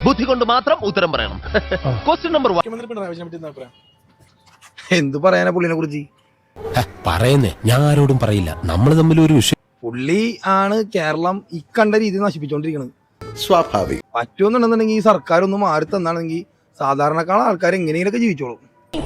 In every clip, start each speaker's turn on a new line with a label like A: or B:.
A: ബുദ്ധി കൊണ്ട് മാത്രം ഉത്തരം പറയണം. Question number 1.
B: എന്ത് പറയാനാ പുള്ളിനെ കുറിച്ച്?
C: പറയുന്നേ, ഞാൻ ആരോടും പറയില്ല. നമ്മൾ തമ്മിൽ ഒരു വിഷയം.
B: പുള്ളി ആണ് കേരളം ഈ കണ്ട രീതി നശിപ്പിച്ചോണ്ടിരിക്കുന്നത്.
D: സ്വാഭാവികം.
B: പറ്റുമെന്നുണ്ടെന്നുണ്ടെങ്കിൽ ഈ സർക്കാർ ഒന്ന് മാറി തന്നാണെങ്കിൽ സാധാരണക്കാളെ ആൾക്കാർ എങ്ങനെയൊക്കെ ജീവിച്ചോളും.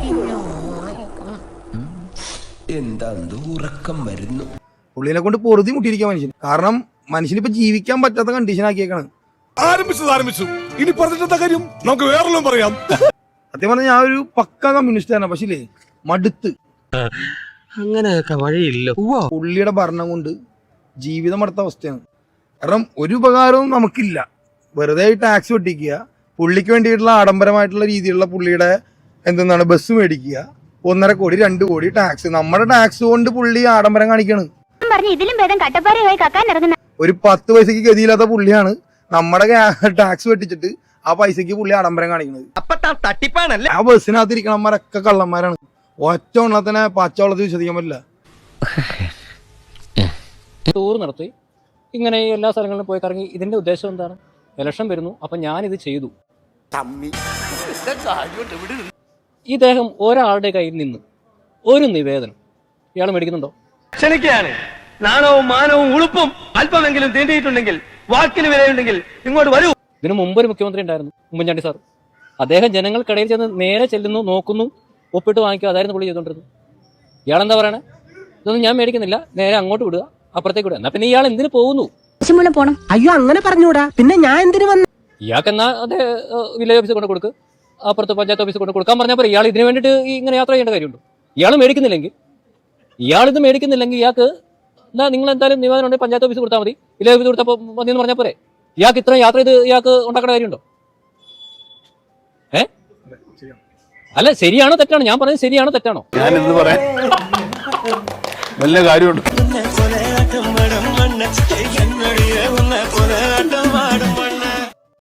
C: എന്താ ഉറക്കം വരുന്നു.
B: പുള്ളിനെ കൊണ്ട് പൊറുതി മുട്ടിയിരിക്കാൻ മനുഷ്യൻ. കാരണം മനുഷ്യനിപ്പോ ജീവിക്കാൻ പറ്റാത്ത കണ്ടീഷൻ ആക്കിയേക്കാണ്.
E: ആരംഭിച്ചു. ഇനി പറഞ്ഞിട്ട കാര്യം നമുക്ക് വേറെല്ലാം പറയാം.
B: സത്യം പറഞ്ഞാൽ ഞാൻ ഒരു പക്ക കമ്മ്യൂണിസ്റ്റ് ആണ്. പക്ഷേ മടുത്ത്
C: അങ്ങനെയൊക്കെ വഴിയില്ല.
B: പുള്ളിയുടെ ഭരണം കൊണ്ട് ജീവിതം അടുത്ത അവസ്ഥയാണ്. കാരണം ഒരു ഉപകാരവും നമുക്കില്ല. വെറുതെ ടാക്സ് വെട്ടിക്കുക, പുള്ളിക്ക് വേണ്ടിയിട്ടുള്ള ആഡംബരമായിട്ടുള്ള രീതിയിലുള്ള പുള്ളിയുടെ എന്തെന്നാണ് ബസ് മേടിക്കുക, 1.5 കോടി 2 കോടി ടാക്സ്. നമ്മുടെ ടാക്സ് കൊണ്ട് പുള്ളി ആഡംബരം കാണിക്കാണ്. ഒരു 10 പൈസക്ക് ഗതിയില്ലാത്ത പുള്ളിയാണ് നമ്മുടെ ടാക്സ് വെട്ടിച്ചിട്ട് ആ പൈസക്ക് പുള്ളി ആഡംബരം കാണിക്കുന്നത്. ആ ബസ്സിനകത്ത് ഇരിക്കണമാരൊക്കെ കള്ളന്മാരാണ്. ഒറ്റ എണ്ണത്തിനെ പച്ചവെള്ളത്തിൽ വിശ്വസിക്കാൻ പറ്റില്ല.
F: ടൂർ നടത്തി ഇങ്ങനെ എല്ലാ സ്ഥലങ്ങളിലും പോയി കറങ്ങി. ഇതിന്റെ ഉദ്ദേശം എന്താണ്? ഇലക്ഷൻ വരുന്നു, അപ്പൊ ഞാനിത് ചെയ്തു. ഇദ്ദേഹം ഒരാളുടെ കയ്യിൽ നിന്ന് ഒരു നിവേദനം ഇയാൾ മേടിക്കുന്നുണ്ടോ?
G: ക്ഷണിക്കുകയാണ്. നാണവും മാനവും ഉളുപ്പും അല്പമെങ്കിലും തീണ്ടിയിട്ടുണ്ടെങ്കിൽ, വാക്കിന് വിലയുണ്ടെങ്കിൽ ഇങ്ങോട്ട് വരൂ.
F: ഇതിനു മുമ്പ് ഒരു മുഖ്യമന്ത്രി ഉണ്ടായിരുന്നു, ഉമ്മൻചാണ്ടി സാർ. അദ്ദേഹം ജനങ്ങൾക്കിടയിൽ ചെന്ന് നേരെ ചെല്ലുന്നു, നോക്കുന്നു, ഒപ്പിട്ട് വാങ്ങിക്കുക. അതായിരുന്നു പുള്ളി ചെയ്തോണ്ടിരുന്നത്. ഇയാളെന്താ പറയണേ? ഇതൊന്നും ഞാൻ മേടിക്കുന്നില്ല, നേരെ അങ്ങോട്ട് വിടുക, അപ്പുറത്തേക്ക് വിടുക. എന്നാ പിന്നെ ഇയാൾ എന്തിനു പോകുന്നു?
H: പോണം. അയ്യോ അങ്ങനെ പറഞ്ഞൂടാ, പിന്നെ ഞാൻ എന്തിനു വന്നു?
F: ഇയാൾക്ക് എന്നാ അത് വില്ലേജ് ഓഫീസിൽ കൊണ്ട് കൊടുക്കുക, അപ്പുറത്ത് പഞ്ചായത്ത് ഓഫീസിൽ കൊണ്ട് കൊടുക്കാൻ പറഞ്ഞാൽ ഇയാൾ ഇതിനു വേണ്ടിയിട്ട് ഇങ്ങനെ യാത്ര ചെയ്യേണ്ട കാര്യമുണ്ടോ? ഇയാൾ മേടിക്കുന്നില്ലെങ്കിൽ, ഇയാളിത് മേടിക്കുന്നില്ലെങ്കിൽ ഇയാൾക്ക് എന്താ, നിങ്ങൾ എന്തായാലും നിവേദനം ഉണ്ടെങ്കിൽ പഞ്ചായത്ത് ഓഫീസ് കൊടുത്താൽ മതി, വില്ലേജ് ഓഫീസ് കൊടുത്താൽ മതി എന്ന് പറഞ്ഞാൽ പോരെ? ഇയാൾക്ക് ഇത്രയും യാത്ര ചെയ്ത് ഇയാൾക്ക് ഉണ്ടാക്കേണ്ട കാര്യമുണ്ടോ? അല്ല, ശരിയാണോ തെറ്റാണോ? ഞാൻ പറഞ്ഞത് ശരിയാണോ തെറ്റാണോ?
E: ഞാൻ എന്ത് പറയാൻ, വല്ല കാര്യമുണ്ട്?